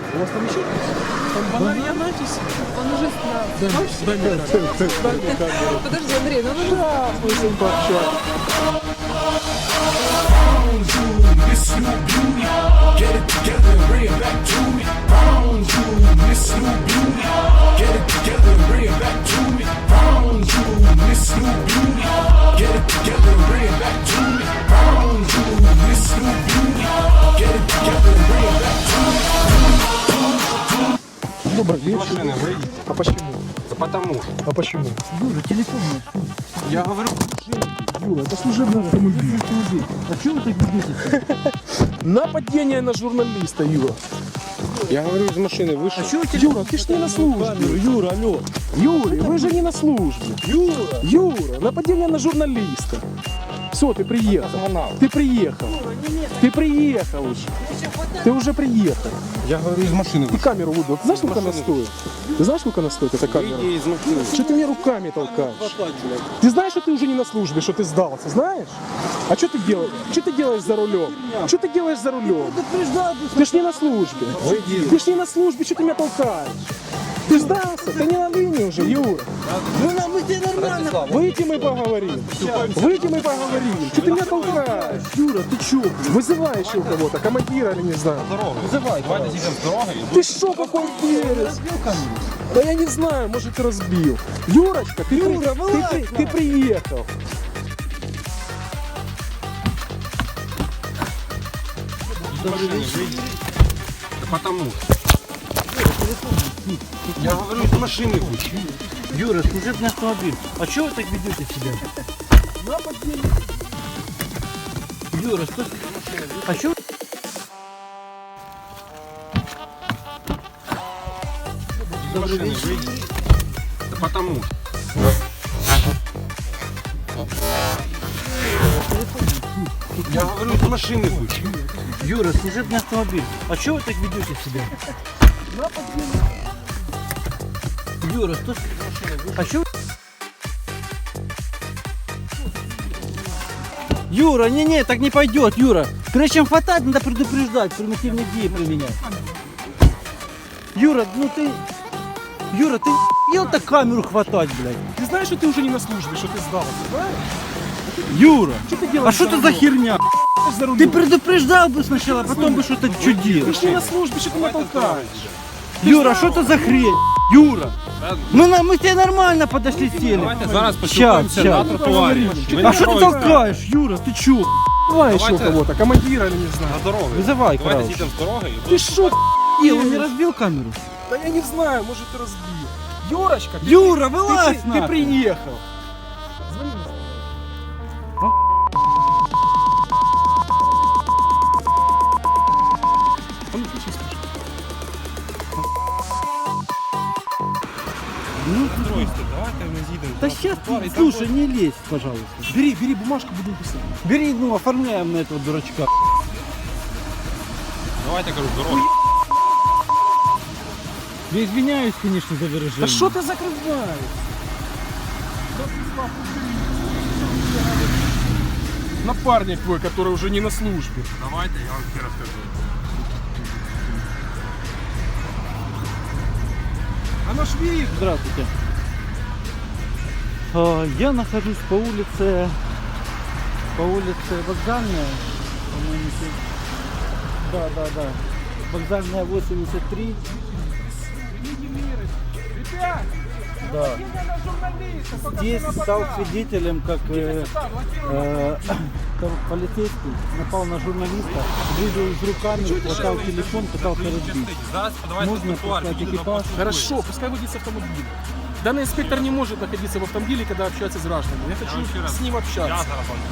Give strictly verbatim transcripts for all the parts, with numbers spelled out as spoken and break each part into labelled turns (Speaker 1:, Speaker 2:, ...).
Speaker 1: У вас там еще? Там банария Натис?
Speaker 2: Он уже снял.
Speaker 1: Дай мне камеру. Дай мне камеру.
Speaker 2: Подожди, Андрей, ну он уже
Speaker 1: Да, мы с ним пообщались.
Speaker 3: Miss New Beauty, get it together and bring it back to me. Found you, Miss New Beauty, get it together and bring it back to me. Found you, Miss New Beauty, get it together and bring it back to me. Found you, Miss New Beauty, get it together and bring it back to me.
Speaker 1: Добрый вечер.
Speaker 4: Машины выйдите.
Speaker 1: А почему?
Speaker 4: Да потому что.
Speaker 1: А почему?
Speaker 5: Юра, телефон мой.
Speaker 4: Я говорю,
Speaker 1: Юра, это служебный автомобиль.
Speaker 5: А что вы так ведете?
Speaker 1: Нападение на журналиста, Юра.
Speaker 4: я говорю, из машины вышел.
Speaker 5: А что вы
Speaker 1: Юра, ты ж не на службе.
Speaker 5: Юра, алло.
Speaker 1: Юрий, вы же не на службе.
Speaker 5: Юра.
Speaker 1: Юра, нападение на журналиста. Все, ты приехал. Ты приехал. Ты приехал уже. Ты уже приехал.
Speaker 4: Я говорю, из машины
Speaker 1: Ты
Speaker 4: вышел.
Speaker 1: камеру выдал. Ты знаешь, сколько она стоит? Ты знаешь, сколько она стоит, эта камера?
Speaker 4: Выйди из машины.
Speaker 1: Что ты мне руками толкаешь? Ты знаешь, что ты уже не на службе, что ты сдался, знаешь? А что ты делаешь? Что ты делаешь за рулем? Что ты делаешь за рулем? Ты ж не на службе. Ты ж не на службе, что ты меня толкаешь? Ты сдался? Ты не на линии уже, Юра.
Speaker 5: Ну нам мы тебе нормально.
Speaker 1: Выйди, мы поговорим. Выйди, мы поговорим. Что ты меня толкаешь?
Speaker 5: Юра, ты чё?
Speaker 1: Вызывай еще у кого-то, командира или не знаю.
Speaker 4: Вызывай, давайте зайдем с дороги.
Speaker 1: Ты шо, какой перец? Да я не знаю, может ты разбил. Юрочка, ты, при-
Speaker 5: Юра,
Speaker 1: ты,
Speaker 5: вылазь
Speaker 1: при- ты приехал.
Speaker 4: Машины выйдите. Да потому что. Я говорю, из машины вышел.
Speaker 5: Юра, служебный автомобиль. А что вы так ведете себя? Юра, что? А что?
Speaker 4: Из машины выйдите. Да потому что. Я говорю, из машины вышел.
Speaker 5: Юра, служебный автомобиль. А что вы так ведете себя? Юра, что? А что? Юра, не-не, так не пойдет, Юра. Прежде чем хватать, надо предупреждать, примитивные идеи применять. Юра, ну ты... Юра, ты ел так камеру хватать, блядь.
Speaker 1: Ты знаешь, что ты уже не на службе, что ты сдался, знаешь?
Speaker 5: Юра,
Speaker 1: Что ты
Speaker 5: а
Speaker 1: делаешь
Speaker 5: что
Speaker 1: за
Speaker 5: это за
Speaker 1: рулем?
Speaker 5: херня?
Speaker 1: За рулем.
Speaker 5: Ты предупреждал бы сначала, а потом бы что-то что
Speaker 1: Ты
Speaker 5: делал.
Speaker 1: ж не на службе, что ты меня толкаешь?
Speaker 5: Юра, что это за хрень? Юра, мы, на- мы тебе нормально подошли сели.
Speaker 4: Давайте зараз
Speaker 5: Щас,
Speaker 4: поспілкуємося на
Speaker 5: щас.
Speaker 4: тротуарі. Ви
Speaker 5: А
Speaker 4: на
Speaker 5: что ты
Speaker 4: дорозі
Speaker 5: толкаешь, Юра, ты чё?
Speaker 1: Давай еще у
Speaker 4: Давайте.
Speaker 1: кого-то, командира или не знаю.
Speaker 4: На дорогу.
Speaker 5: Вызывай,
Speaker 4: Давайте
Speaker 5: короче.
Speaker 4: зійдемо з дороги і
Speaker 1: Ты
Speaker 4: будемо
Speaker 1: шо,
Speaker 5: Ел, он не разбил камеру?
Speaker 1: Да я не знаю, может ты разбил. Юрочка, ты,
Speaker 5: Юра,
Speaker 1: ты,
Speaker 5: вылазь
Speaker 1: ты, ты
Speaker 5: нахуй.
Speaker 1: приехал. Звони мне. А ну, включи, слушай.
Speaker 4: Стройте, давайте ми зійдемо.
Speaker 5: Да
Speaker 4: на
Speaker 5: сейчас,
Speaker 4: тротуар, і там
Speaker 5: слушай, не лезь, пожалуйста.
Speaker 1: Бери, бери бумажку, будем писать.
Speaker 5: Бери, ну, оформляем на этого дурачка.
Speaker 4: Давайте, кажу, з дороги.
Speaker 5: Я извиняюсь, конечно, за выражение.
Speaker 1: Да что ты закрываешь? Напарник твой, который уже не на службе.
Speaker 4: Давайте, я вам ще розкажу.
Speaker 1: Оно ж видно.
Speaker 5: Здравствуйте. А, Я нахожусь по улице, по улице Вокзальная, по-моему, здесь. Да, да, да. Вокзальная восемьдесят три.
Speaker 1: Ребят,
Speaker 5: Да.
Speaker 1: на журналиста, только
Speaker 5: Здесь
Speaker 1: на
Speaker 5: стал
Speaker 1: бока.
Speaker 5: свидетелем, как э, э, там полицейский напал на журналиста, двигал с руками, хватал телефон, пытался разбить.
Speaker 4: Зараз давайте
Speaker 5: Можно
Speaker 4: на тротуар.
Speaker 5: послать
Speaker 4: їдемо
Speaker 5: экипаж?
Speaker 4: на
Speaker 1: Хорошо, пускай водится автомобиль. Данный инспектор не может находиться в автомобиле, когда общается с гражданами. Я
Speaker 4: Я вам ще
Speaker 1: хочу
Speaker 4: раз-
Speaker 1: с ним
Speaker 4: Я
Speaker 1: общаться.
Speaker 4: зараз вам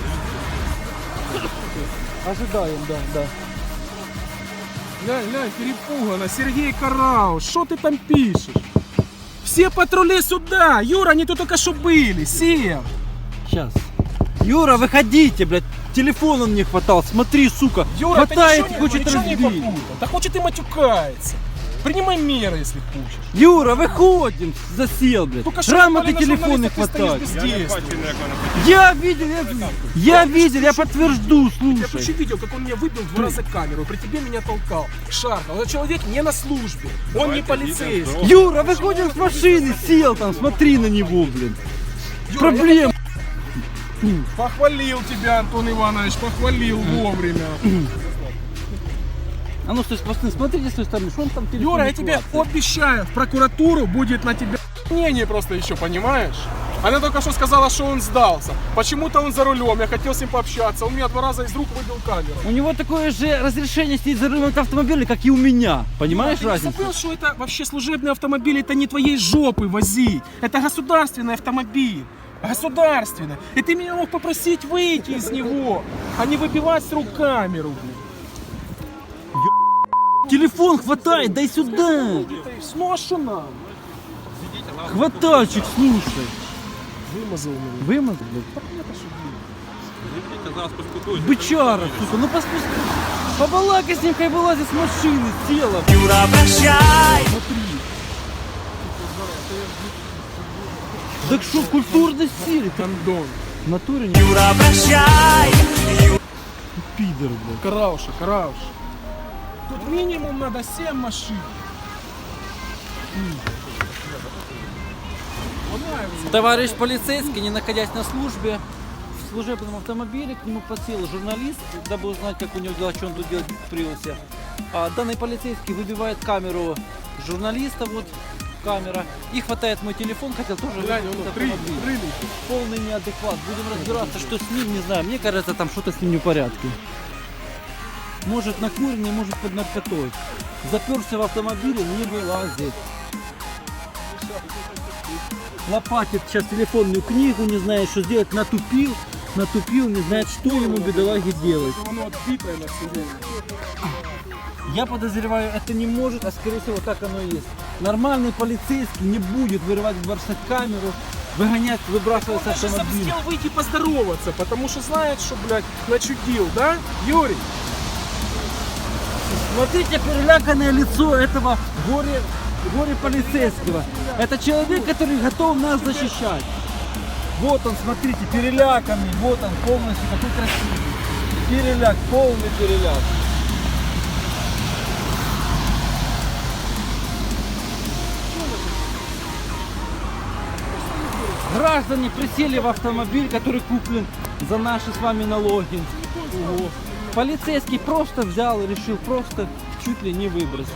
Speaker 5: Ожидаем, да, да.
Speaker 1: Глянь, глянь, перепугано. Сергей Караус, что ты там пишешь? Все патрули сюда! Юра, они тут только что были. Сев!
Speaker 5: Сейчас. Юра, выходите, блядь. Телефон он не хватал. Смотри, сука.
Speaker 1: Юра, ты
Speaker 5: Хватает,
Speaker 1: ничего не-
Speaker 5: хочет
Speaker 1: ничего не
Speaker 5: разбить.
Speaker 1: попутал. Да хочет и матюкается. Принимай меры, если хочешь.
Speaker 5: Юра, выходим! Засел, блядь.
Speaker 1: Только что
Speaker 5: Грамоты
Speaker 1: напали на
Speaker 5: телефон не
Speaker 1: журналиста, ты
Speaker 5: хватает.
Speaker 1: стоишь бездействуй.
Speaker 5: Я видел, я, я видел, я подтвержду,
Speaker 1: Я
Speaker 5: слушай.
Speaker 1: вообще видел, как он меня выбил в два раза камеру, при тебе меня толкал, шаркал. Этот человек не на службе, он не полицейский.
Speaker 5: Юра, выходим с машины, сел там, смотри на него, блин.
Speaker 1: Юра,
Speaker 5: Проблем.
Speaker 1: я Похвалил тебя, Антон Иванович, похвалил вовремя.
Speaker 5: А ну стой, посмотри, смотрите с той стороны, что он там телефон
Speaker 1: Юра,
Speaker 5: не
Speaker 1: я тебе
Speaker 5: хватает.
Speaker 1: обещаю, в прокуратуру будет на тебя мнение просто еще, понимаешь? Она только что сказала, что он сдался. Почему-то он за рулем, я хотел с ним пообщаться. Он меня два раза из рук выбил камеру.
Speaker 5: У него такое же разрешение сидеть за рулем автомобиля, как и у меня. Понимаешь
Speaker 1: Ты не
Speaker 5: разницу?
Speaker 1: забыл, что это вообще служебный автомобиль, это не твоей жопы возить. Это государственный автомобиль. Государственный. И ты меня мог попросить выйти из него, а не выбивать с рук камеру. блин.
Speaker 5: Телефон хватает, дай сюда.
Speaker 1: Ну а что нам?
Speaker 5: Хватальчик, слушай.
Speaker 1: Вымазал меня.
Speaker 5: Вымазал, блядь? Бычара, сука, ну поспусти. Побалакай с ним, хай вылазит с машины, села.
Speaker 6: Юра, прощай!
Speaker 5: Так что, культурно сели?
Speaker 1: Кондон.
Speaker 5: В натуре не
Speaker 6: Юра, прощай!
Speaker 5: пидор, блядь.
Speaker 1: Карауша, карауша. Тут минимум надо семь машин.
Speaker 5: Товарищ полицейский, не находясь на службе, в служебном автомобиле к нему подсел журналист, дабы узнать, как у него дела, что он тут делает в Приусе. А данный полицейский выбивает камеру журналиста, вот камера, и хватает мой телефон, хотел тоже
Speaker 1: Глянь,
Speaker 5: выбить
Speaker 1: он
Speaker 5: автомобиль.
Speaker 1: прыгнет, прыгнет.
Speaker 5: Полный неадекват. Будем разбираться, что с ним, не знаю. Мне кажется, там что-то с ним не в порядке. Может накуренный, может под наркотой. Заперся в автомобиле, не вылазит. Лопатит сейчас телефонную книгу, не знает, что сделать, натупил, натупил, не знает, что ему, бедолаге, делать.
Speaker 1: Оно отбитое на всю голову.
Speaker 5: Я подозреваю, это не может, а скорее всего так оно и есть. Нормальный полицейский не будет вырывать, бросать камеру, выгонять, выбрасывать с
Speaker 1: Он даже
Speaker 5: автомобиля.
Speaker 1: хотел выйти поздороваться, потому что знает, что, блядь, начудил, да, Юрий?
Speaker 5: Смотрите, переляканное лицо этого горе, горе полицейского. Это человек, который готов нас защищать. Вот он, смотрите, переляканный, вот он полностью, какой красивый. Переляк, полный переляк. Граждане присели в автомобиль, который куплен за наши с вами налоги. Ого. Полицейский просто взял и решил просто чуть ли не выбросить.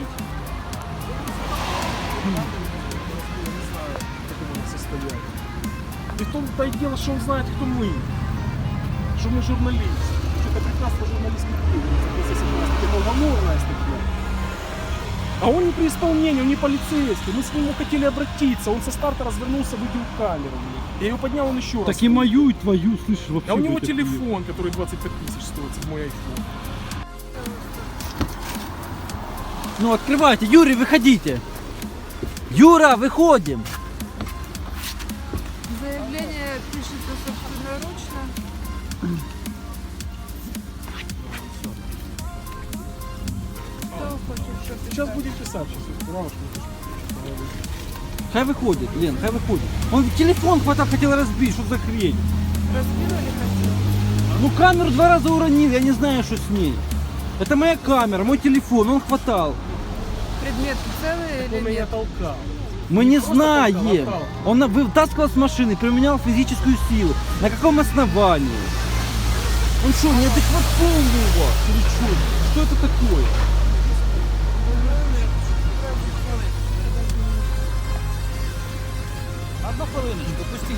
Speaker 1: Состояние. И в том-то и дело, что он знает, кто мы. Что мы журналисты. Это прекрасно журналистский это гламурная статья. А он не при исполнении, он не полицейский. Мы с ним хотели обратиться. Он со старта развернулся, выбил камеру. Я ее поднял, он еще раз.
Speaker 5: Так и мою, и твою, слышишь, вообще.
Speaker 1: А у него
Speaker 5: блядь,
Speaker 1: телефон, который двадцать пять тысяч стоит, седьмой айфон.
Speaker 5: Ну открывайте, Юрий, выходите. Юра, выходим.
Speaker 2: Заявление пишется собственноручно. Кто хочет, чтобы
Speaker 1: Сейчас будет писать, сейчас. Рамочку
Speaker 5: Хай выходит, Лен, хай выходит. Он телефон хватал, хотел разбить, что за хрень?
Speaker 2: разбили хотел?
Speaker 5: Ну камеру два раза уронил, я не знаю, что с ней. Это моя камера, мой телефон, он хватал.
Speaker 2: Предметы целые
Speaker 1: Он
Speaker 2: или
Speaker 1: меня
Speaker 2: нет?
Speaker 1: толкал.
Speaker 5: Мы не
Speaker 1: просто
Speaker 5: знаем.
Speaker 1: толкал, а
Speaker 5: Он вытаскивал с машины, применял физическую силу. На каком основании? Он что, неадекват полный у вас? Или что? Что это такое?
Speaker 6: Одну хвилиночку, пустіть.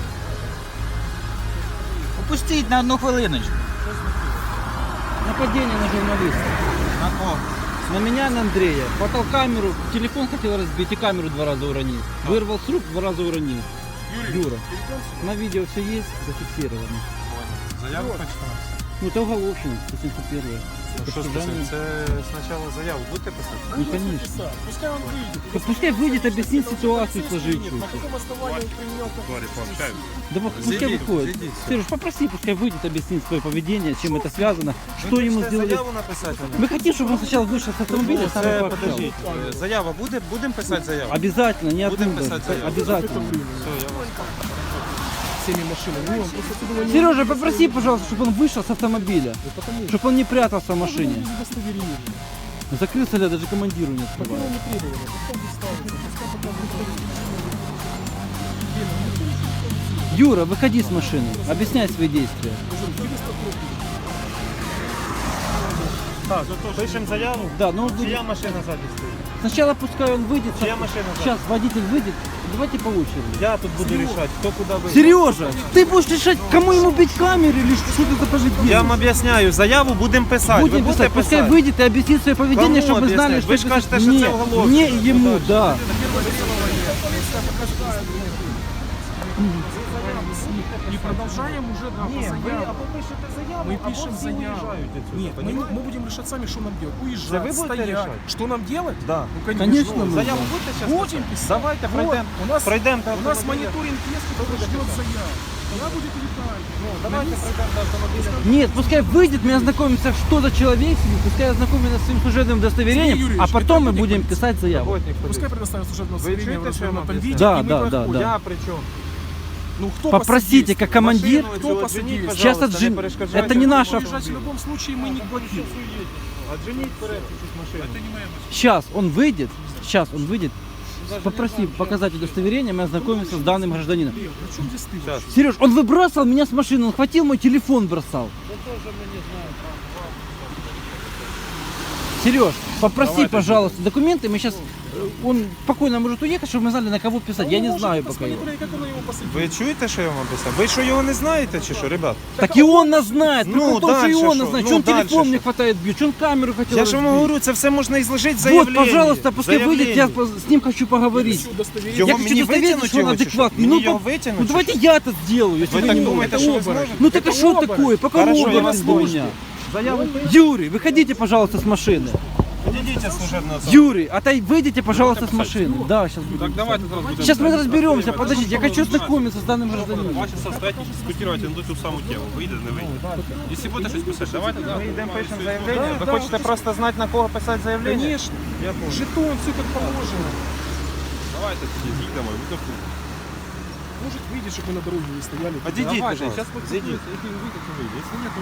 Speaker 6: Опустіть на одну хвилиночку.
Speaker 5: Нападение на журналиста.
Speaker 6: На кого?
Speaker 5: На меня, на Андрея. Хватал камеру, телефон хотел разбить и камеру два раза уронил. Вырвал с рук, два раза уронил. Юра, на видео все есть, зафиксировано.
Speaker 4: Заявку почитав.
Speaker 5: Ну это уголовщина, сто семьдесят первая.
Speaker 4: Що списати? Це спочатку заяву будете писати?
Speaker 5: Ну, конечно.
Speaker 1: Пускай он выйдет.
Speaker 5: Да пускай выйдет, объяснит ситуацию сложившуюся.
Speaker 1: На каком основании он применял такой...
Speaker 5: Да вот пускай выходит. Сереж, попроси, пускай выйдет, объяснит свое поведение, чем это связано, что ему сделали.
Speaker 4: Заяву написати?
Speaker 5: Мы хотим, чтобы он сначала вышел с автомобиля, сам
Speaker 4: Це,
Speaker 5: пообщался.
Speaker 4: подождіть, е, заява буде? Будемо писати заяву?
Speaker 5: Обязательно, не
Speaker 4: Будем
Speaker 5: оттуда.
Speaker 4: писать заяву.
Speaker 5: Обязательно.
Speaker 4: Все, я вас...
Speaker 1: Всеми машинами. Ну, он просто отсюда не...
Speaker 5: Сережа, попроси, пожалуйста, чтобы он вышел с автомобиля. Чтобы он не прятался в машине.
Speaker 1: Без удостоверения.
Speaker 5: Закрылся ли, даже командиру не
Speaker 1: Такого
Speaker 5: открывает.
Speaker 1: не требовали. Пускай доставится. Пускай показывает.
Speaker 5: Юра, выходи с машины, объясняй свои действия.
Speaker 4: Так, пишемо заяву.
Speaker 5: Да, ну
Speaker 4: Чия машина ззаді стоїть?
Speaker 5: сначала пускай он выйдет.
Speaker 4: Чья машина сзади?
Speaker 5: Сейчас водитель выйдет. Давайте по очереди.
Speaker 4: Я тут буду рішати, хто куди вийде.
Speaker 5: Сережа, ты будешь решать, кому ему бить камеры или что ты за поведение?
Speaker 4: Я вам об'ясняю, заяву будемо писати. Ви
Speaker 5: Будем
Speaker 4: будете
Speaker 5: писать, пускай
Speaker 4: писати?
Speaker 5: выйдет и объяснит свое поведение,
Speaker 4: Кому
Speaker 5: чтобы мы знали,
Speaker 4: объяснять?
Speaker 5: что
Speaker 4: Вы ж
Speaker 5: это-
Speaker 4: кажете, что
Speaker 5: мне,
Speaker 4: это уголовник.
Speaker 5: мне и ему, да.
Speaker 1: Не продолжаем уже да,
Speaker 4: Ні,
Speaker 1: по
Speaker 4: ви
Speaker 1: заяве.
Speaker 4: або пишете заяву,
Speaker 1: Мы
Speaker 4: або
Speaker 1: пишем
Speaker 4: всі
Speaker 1: заяву.
Speaker 4: уїжджають отсюда,
Speaker 1: Нет, мы,
Speaker 4: понімаєте?
Speaker 1: мы будем решать сами, что нам делать.
Speaker 4: Да
Speaker 1: Уезжать,
Speaker 4: вы будете
Speaker 1: стоять.
Speaker 4: решать?
Speaker 1: Что нам делать?
Speaker 4: Да.
Speaker 1: Ну, конечно.
Speaker 5: Конечно,
Speaker 1: Ну,
Speaker 5: мы.
Speaker 4: Заяву будете зараз?
Speaker 1: Будем писать.
Speaker 4: Давайте
Speaker 1: Вот,
Speaker 4: пройдемо.
Speaker 1: у нас,
Speaker 4: Пройдемо до
Speaker 1: у нас
Speaker 4: автомобіля.
Speaker 1: мониторинг есть, который ждет заяв. Я будет летать.
Speaker 4: Ну, давайте пройдемо до автомобіля.
Speaker 5: Нет, пускай выйдет, мы ознакомимся, что за человек, пускай ознакомится с своим служебным удостоверением,
Speaker 1: Сергей
Speaker 5: а
Speaker 1: Юрьевич,
Speaker 5: потом мы
Speaker 1: это
Speaker 5: будем
Speaker 1: будет
Speaker 5: писать заяву.
Speaker 4: Работник
Speaker 1: Пускай
Speaker 4: ходить.
Speaker 1: предоставят служебное
Speaker 4: Вы
Speaker 1: удостоверение в
Speaker 4: чуете, что я
Speaker 1: развернутом
Speaker 4: вам
Speaker 1: виде,
Speaker 5: Да,
Speaker 1: и мы
Speaker 5: да, да,
Speaker 1: проходим.
Speaker 5: да.
Speaker 4: Я при чому?
Speaker 1: Ну, кто
Speaker 5: Попросите, как командир,
Speaker 4: Машину
Speaker 1: Кто
Speaker 4: цю
Speaker 1: посадили?
Speaker 4: отженіть,
Speaker 5: Сейчас
Speaker 4: пожалуйста,
Speaker 5: отжен-
Speaker 4: не перешкоджайте.
Speaker 5: это не наша-
Speaker 1: Уезжать в любом случае мы не платили.
Speaker 4: Отженіть вперед чуть-чуть машину.
Speaker 5: сейчас он выйдет, сейчас он выйдет, попроси показать удостоверение, мы ознакомимся с данным гражданином.
Speaker 1: При чем здесь ты?
Speaker 4: Сейчас.
Speaker 5: Сереж, он выбрасывал меня с машины, он хватил мой телефон, бросал. Сереж, попроси, пожалуйста, документы, мы сейчас, он спокойно может уехать, чтобы мы знали, на кого писать, я не знаю пока его.
Speaker 1: Как он его посадил?
Speaker 4: Ви чуєте, що я вам описав? Ви що його не знаєте чи що, ребят?
Speaker 5: Так и он нас знает,
Speaker 4: Ну,
Speaker 5: ну, том, что и
Speaker 4: дальше
Speaker 5: он
Speaker 4: что?
Speaker 5: нас знает,
Speaker 4: Ну,
Speaker 5: что он
Speaker 4: дальше
Speaker 5: телефон
Speaker 4: что?
Speaker 5: мне хватает бьет, что он камеру хотел
Speaker 4: Я ж вам
Speaker 5: разбить.
Speaker 4: говорю, це все можна і зложити в
Speaker 5: Вот,
Speaker 4: заявленні.
Speaker 5: пожалуйста, пускай выйдет, я
Speaker 4: Заявлення.
Speaker 5: с ним хочу поговорить.
Speaker 1: Всё удостоверение.
Speaker 4: Його
Speaker 5: Я хочу
Speaker 4: мені
Speaker 5: удостовериться,
Speaker 4: витягнути
Speaker 5: что он
Speaker 4: його чи що?
Speaker 5: адекватный.
Speaker 4: Мені
Speaker 5: Ну,
Speaker 4: його
Speaker 5: по-
Speaker 4: витягнути
Speaker 5: ну
Speaker 4: чи
Speaker 5: давайте
Speaker 4: що?
Speaker 5: я это сделаю, если
Speaker 4: Ви
Speaker 5: вы
Speaker 4: так
Speaker 5: не
Speaker 4: думаєте,
Speaker 5: можете.
Speaker 4: що ви зможете?
Speaker 5: Ну так а
Speaker 1: Это
Speaker 5: что
Speaker 1: оборот.
Speaker 5: такое? Пока
Speaker 4: Хорошо, я
Speaker 5: оборот
Speaker 4: вас
Speaker 5: у
Speaker 4: слушаю.
Speaker 5: меня. Юрий, выходите, пожалуйста, с машины.
Speaker 4: Підійдіть служебного
Speaker 5: Юрий, отай, выйдите, пожалуйста, с машины. Да, сейчас буду.
Speaker 7: Давайте зараз будемо.
Speaker 5: Сейчас мы разберемся, подождите, я хочу ознакомиться с данным
Speaker 7: Два
Speaker 5: гражданином.
Speaker 7: часа стоять і дискутувати на ту саму тему. Вийде, не вийде. Якщо буде щось писати, давайте. да.
Speaker 4: Ми йдемо пишемо заявлення.
Speaker 1: Да,
Speaker 4: Ви
Speaker 1: да,
Speaker 4: хочете
Speaker 1: вот
Speaker 4: просто знати, на кого писати заявлення?
Speaker 1: Конечно.
Speaker 4: Я понял.
Speaker 1: Жетон, все как положено.
Speaker 7: Давайте тоді їдемо. ви тут.
Speaker 1: Может, выйдешь, чтобы мы на дороге не стояли.
Speaker 4: Підійдіть,
Speaker 7: Давайте,
Speaker 4: пожалуйста.
Speaker 7: зараз подійдіть. Якщо він вийде, то вийде. Якщо ні, то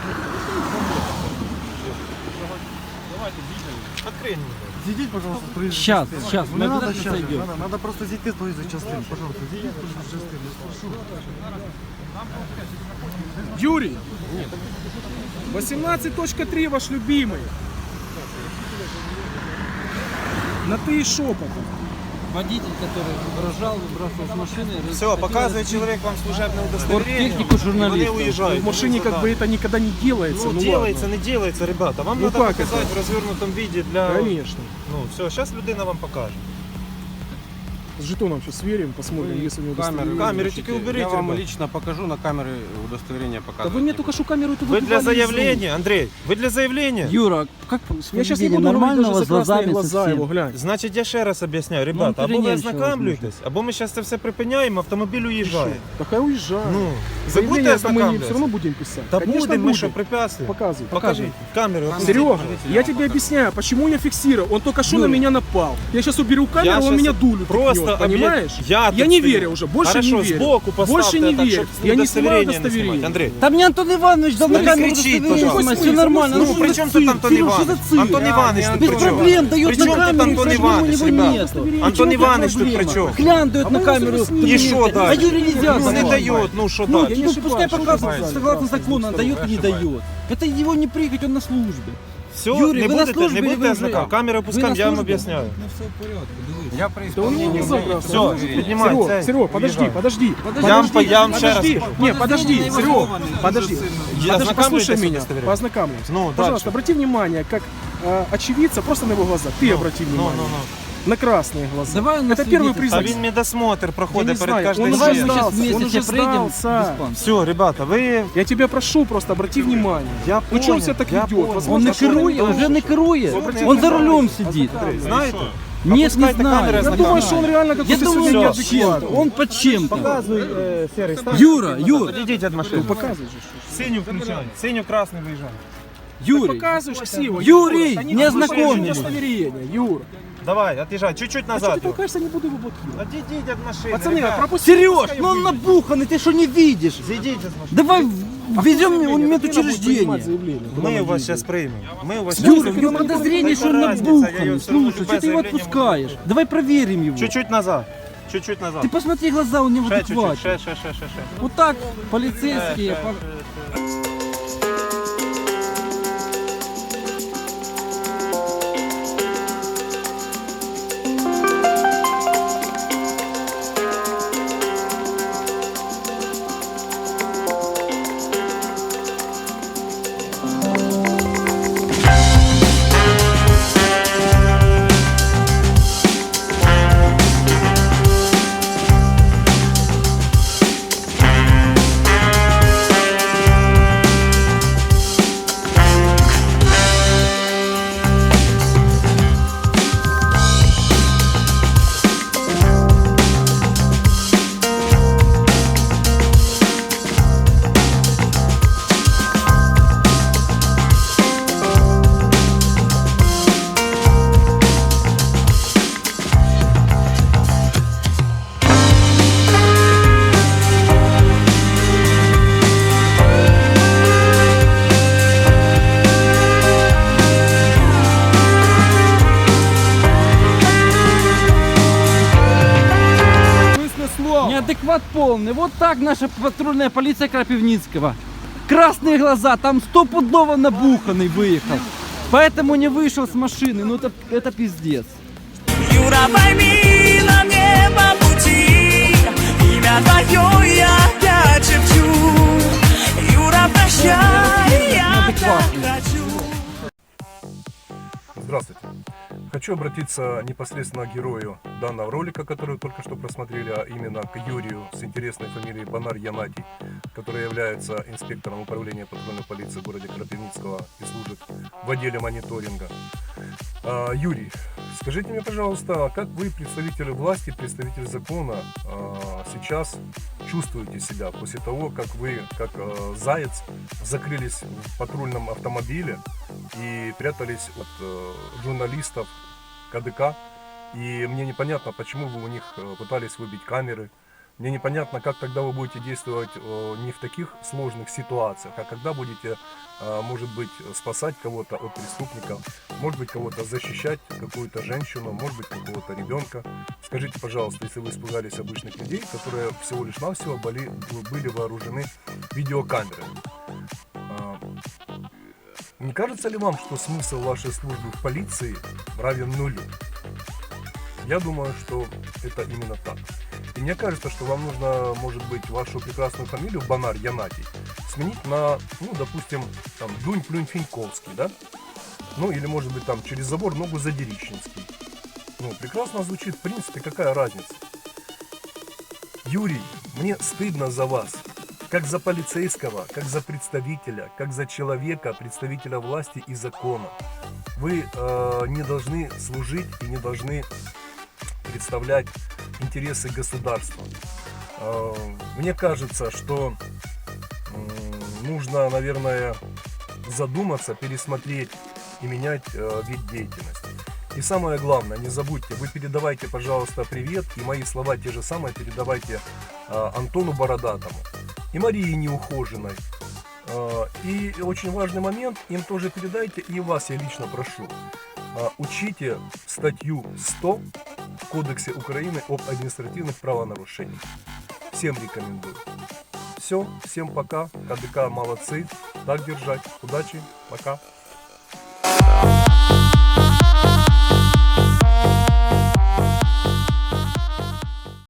Speaker 7: давайте їдемо.
Speaker 4: Відкрий мені.
Speaker 8: Зайдите, пожалуйста, с проезжей
Speaker 5: Сейчас,
Speaker 8: частины.
Speaker 5: сейчас, мы
Speaker 8: Не надо
Speaker 5: обязательно
Speaker 8: сейчас,
Speaker 5: зайдем.
Speaker 8: надо, надо просто зайти с проезжей частины. Пожалуйста, зайдите с проезжей частины. Прошу.
Speaker 1: Юрий. восемнадцать точка три ваш любимый. На ты и шепотом.
Speaker 5: Водитель, который угрожал, выбрасывал с машины.
Speaker 4: Все, показує чоловік вам служебне удостоверення.
Speaker 5: Техніку
Speaker 4: і Вони
Speaker 5: журналістів.
Speaker 4: уїжджають.
Speaker 1: В машине как бы это никогда не делается.
Speaker 4: Ну,
Speaker 1: Ну,
Speaker 4: делается,
Speaker 1: ладно.
Speaker 4: не делается, ребята. Вам
Speaker 1: Ну,
Speaker 4: надо
Speaker 1: как
Speaker 4: показати
Speaker 1: это?
Speaker 4: в розвернутому віді для...
Speaker 1: Конечно.
Speaker 4: Ну, все, зараз людина вам покаже.
Speaker 1: С жетоном сейчас сверим, посмотрим, если у него
Speaker 7: камеры,
Speaker 1: удостоверение.
Speaker 4: камеры тільки уберіть,
Speaker 7: Я вам
Speaker 4: ребят.
Speaker 7: лично покажу на камеры удостоверение
Speaker 1: Да
Speaker 7: показывать.
Speaker 1: вы мне только что камеру эту
Speaker 4: Ви для
Speaker 1: выбивали из рук.
Speaker 4: заявлення, Андрій, ви для заявлення?
Speaker 5: Юра, как с
Speaker 1: Я сейчас не
Speaker 5: поведением
Speaker 1: буду говорить
Speaker 5: нормального,
Speaker 1: даже
Speaker 5: с
Speaker 1: за красные
Speaker 5: глазами
Speaker 1: глаза
Speaker 5: совсем.
Speaker 1: его, глянь.
Speaker 4: Значить, я ще раз об'ясняю, ребята, або ви
Speaker 5: перенервничали,
Speaker 4: ознакомлюєтесь, або ми зараз це все припиняємо, автомобіль уїжджає.
Speaker 1: Так я уезжаю.
Speaker 4: Ну, ви
Speaker 1: Заявление
Speaker 4: будете
Speaker 1: это мы не, все
Speaker 4: ознакомлюватися?
Speaker 1: равно будем писать.
Speaker 4: Та
Speaker 1: Конечно,
Speaker 4: будемо, ми
Speaker 1: будем.
Speaker 4: що, препятствуємо?
Speaker 1: Показывай.
Speaker 4: Покажіть, камеру.
Speaker 1: Серега, я тебе объясняю, почему я фиксирую. Он только что на меня напал. Я сейчас уберу камеру,
Speaker 4: Я
Speaker 1: он
Speaker 4: щас
Speaker 1: меня дулю
Speaker 4: просто
Speaker 1: ткнет, понимаешь?
Speaker 4: объя- Я,
Speaker 1: Я
Speaker 4: тут
Speaker 1: не
Speaker 4: стою.
Speaker 1: верю уже, больше
Speaker 4: Хорошо,
Speaker 1: не верю.
Speaker 4: сбоку поставьте
Speaker 1: Больше не
Speaker 4: так,
Speaker 1: верю.
Speaker 4: чтоб
Speaker 1: Я не снимаю
Speaker 4: удостоверение не снимать.
Speaker 1: удостоверение.
Speaker 4: Андрей.
Speaker 5: Да мне Антон Иванович дал на
Speaker 4: Не
Speaker 5: камеру
Speaker 4: кричіть,
Speaker 5: удостоверение
Speaker 4: пожалуйста.
Speaker 5: снимать, все нормально.
Speaker 4: Ну,
Speaker 5: что
Speaker 4: при
Speaker 5: за
Speaker 4: чем тут
Speaker 5: цирк?
Speaker 4: Антон
Speaker 5: Сереж, что
Speaker 4: Иванович?
Speaker 5: за цирк?
Speaker 4: Антон Иванович тут
Speaker 5: Без
Speaker 4: при чем?
Speaker 5: проблем дает
Speaker 4: При
Speaker 5: на
Speaker 4: чем тут
Speaker 5: камеру,
Speaker 4: Антон
Speaker 5: почему у
Speaker 4: Иванович,
Speaker 5: него
Speaker 4: ребята?
Speaker 5: нету?
Speaker 4: Антон
Speaker 5: Почему
Speaker 4: Иванович тут
Speaker 5: проблема?
Speaker 4: при чем?
Speaker 5: Глян дает
Speaker 1: А
Speaker 5: на
Speaker 1: мы
Speaker 5: камеру.
Speaker 1: уже с ним.
Speaker 4: И что
Speaker 5: документы. А
Speaker 4: дальше?
Speaker 5: Юре нельзя
Speaker 4: Ну, не
Speaker 5: давать.
Speaker 4: дает, ну что
Speaker 5: Ну,
Speaker 4: дальше?
Speaker 1: не
Speaker 5: ну, пускай
Speaker 1: ошибаюсь,
Speaker 5: показывает,
Speaker 1: ошибаюсь.
Speaker 5: согласно закону, он дает и не дает. Это его не прыгать, он на службе.
Speaker 4: Все,
Speaker 5: Юрий,
Speaker 4: не
Speaker 5: вы на
Speaker 4: будете,
Speaker 5: службе
Speaker 4: не
Speaker 5: или
Speaker 4: будете
Speaker 5: вы уже-
Speaker 4: ознакомлювати. Камеру
Speaker 5: Вы
Speaker 4: пускаем,
Speaker 5: на
Speaker 4: я вам
Speaker 5: службе?
Speaker 4: объясняю.
Speaker 7: Я при
Speaker 1: Да у него не
Speaker 7: исполнении...
Speaker 1: забрался.
Speaker 4: Все, піднімай
Speaker 1: Серега,
Speaker 4: цей.
Speaker 1: Серега, подожди,
Speaker 4: уїжджай.
Speaker 1: подожди.
Speaker 5: Подожди,
Speaker 4: Я вам по- я вам ще раз
Speaker 1: подожди.
Speaker 4: покажу.
Speaker 1: Не, подожди, Серега, подожди.
Speaker 4: Я
Speaker 1: Подожди,
Speaker 4: ознакомлюсь
Speaker 1: послушай
Speaker 4: с
Speaker 1: меня,
Speaker 4: удостоверением.
Speaker 1: познакомимся.
Speaker 4: Ну,
Speaker 1: Пожалуйста,
Speaker 4: дальше.
Speaker 1: обрати внимание, как э, очевидца, просто на его глаза. Ты обрати
Speaker 4: Ну,
Speaker 1: внимание.
Speaker 4: ну, ну.
Speaker 1: На красные глаза.
Speaker 5: Давай он
Speaker 1: Это первый
Speaker 5: свидетель.
Speaker 6: А
Speaker 1: признак.
Speaker 6: він медосмотр
Speaker 1: Я
Speaker 6: проходить
Speaker 1: не
Speaker 6: перед
Speaker 1: знаю,
Speaker 6: кожним
Speaker 1: он
Speaker 5: Давай
Speaker 1: уже
Speaker 5: мы
Speaker 6: членом.
Speaker 5: сейчас
Speaker 1: сдался, он
Speaker 5: вместе
Speaker 1: уже
Speaker 5: пройдем в
Speaker 1: сдался.
Speaker 5: диспансер.
Speaker 6: Все, ребята, ви...
Speaker 1: Я тебя прошу просто, обрати внимание.
Speaker 6: Я
Speaker 1: Ну что он себя
Speaker 6: понял,
Speaker 1: так
Speaker 6: я
Speaker 1: ведет?
Speaker 6: понял.
Speaker 5: Он
Speaker 1: Возможно,
Speaker 5: не
Speaker 1: что
Speaker 5: керує,
Speaker 1: он
Speaker 5: вже не керує. Он за рулем сидит.
Speaker 6: Знаєте?
Speaker 5: Нет, не
Speaker 6: Опускайте
Speaker 5: знаю.
Speaker 6: камеры,
Speaker 1: Я
Speaker 6: знаю.
Speaker 1: думаю, что он реально
Speaker 5: Я
Speaker 1: какой-то
Speaker 5: думаю,
Speaker 1: сегодня
Speaker 5: он под чем-то.
Speaker 1: неадекватный.
Speaker 5: Он под чем-то.
Speaker 6: Показуй, е, серий, стань.
Speaker 5: Юра, Юра,
Speaker 6: Підійдіть від машини.
Speaker 1: Показывай же. что-
Speaker 6: Синю включай. Синю красний виїжджай.
Speaker 5: Юрий.
Speaker 1: Показываешь ксиву.
Speaker 5: Юрий,
Speaker 1: Они
Speaker 5: не
Speaker 1: не
Speaker 5: ознакомились.
Speaker 1: удостоверение, Юра.
Speaker 6: Давай, отъезжай, чуть-чуть
Speaker 1: А что
Speaker 6: назад.
Speaker 1: ты толкаешься, не буду его блокировать.
Speaker 6: Отійдіть від машини.
Speaker 1: Пацаны,
Speaker 6: ребят.
Speaker 1: пропусти.
Speaker 5: Сереж,
Speaker 1: пускай
Speaker 5: ну он
Speaker 1: выйдет.
Speaker 5: набуханный, ты что не видишь?
Speaker 6: Зійдіть з машини.
Speaker 5: Давай везем
Speaker 1: Заявление,
Speaker 5: его в
Speaker 1: как надо будет
Speaker 5: медучреждение.
Speaker 1: принимать заявление, куда
Speaker 6: Ми
Speaker 1: надо
Speaker 6: вас
Speaker 1: ездить.
Speaker 6: зараз приймемо. Ми вас
Speaker 5: Юра,
Speaker 6: щас
Speaker 5: у него подозрение, что он
Speaker 6: Какая разница, я
Speaker 5: набуханный.
Speaker 6: ее всё равно
Speaker 5: Слушай,
Speaker 6: любое
Speaker 5: что ты его
Speaker 6: заявление могу
Speaker 5: отпускаешь? Давай проверим его.
Speaker 6: Чуть-чуть назад. Чуть-чуть назад.
Speaker 5: Ты посмотри глаза, у него
Speaker 6: Ще чуть-чуть,
Speaker 5: адекватные.
Speaker 6: ще, ще, ще, ще, ще.
Speaker 5: Вот так полицейские.
Speaker 6: Ще,
Speaker 5: по-
Speaker 6: ще, ще.
Speaker 5: Неадекват полный. Вот так наша патрульная полиция Крапивницкого. Красные глаза, там стопудово набуханный выехал. Поэтому не вышел с машины. Ну это, это пиздец.
Speaker 9: Юра, пойми, нам не по пути. Имя твое я опять шепчу. Юра, прощай, я так хочу.
Speaker 10: Здравствуйте. Хочу обратиться непосредственно к герою данного ролика, который вы только что просмотрели, а именно к Юрию с интересной фамилией Бонар Янатий, который является инспектором управления патрульной полиции в городе Крапивницкого и служит в отделе мониторинга. А, Юрий, скажите мне, пожалуйста, как вы, представитель власти, представитель закона, а, сейчас чувствуете себя после того, как вы, как а, заяц, закрылись в патрульном автомобиле и прятались от э, журналистов КДК, и мне непонятно, почему вы у них э, пытались выбить камеры, мне непонятно, как тогда вы будете действовать э, не в таких сложных ситуациях, а когда будете, э, может быть, спасать кого-то от преступников, может быть, кого-то защищать, какую-то женщину, может быть, какого-то ребенка. Скажите, пожалуйста, если вы испугались обычных людей, которые всего лишь навсего были, были вооружены видеокамерами. Не кажется ли вам, что смысл вашей службы в полиции равен нулю? Я думаю, что это именно так. И мне кажется, что вам нужно, может быть, вашу прекрасную фамилию Бонар Янатий сменить на, ну, допустим, там, Дунь-Плюнь-Финьковский, да? Ну, или, может быть, там, через забор ногу Задерищенский. Ну, прекрасно звучит, в принципе, какая разница? Юрий, мне стыдно за вас. Как за полицейского, как за представителя, как за человека, представителя власти и закона. Вы э, не должны служить и не должны представлять интересы государства. Э, мне кажется, что э, нужно, наверное, задуматься, пересмотреть и менять э, вид деятельности. И самое главное, не забудьте, вы передавайте, пожалуйста, привет, и мои слова те же самые передавайте э, Антону Бородатому и Марии Неухоженной. Э, и очень важный момент, им тоже передайте, и вас я лично прошу. Э, учите статью сто в Кодексе Украины об административных правонарушениях. Всем рекомендую. Все, всем пока, КДК молодцы, так держать, удачи, пока.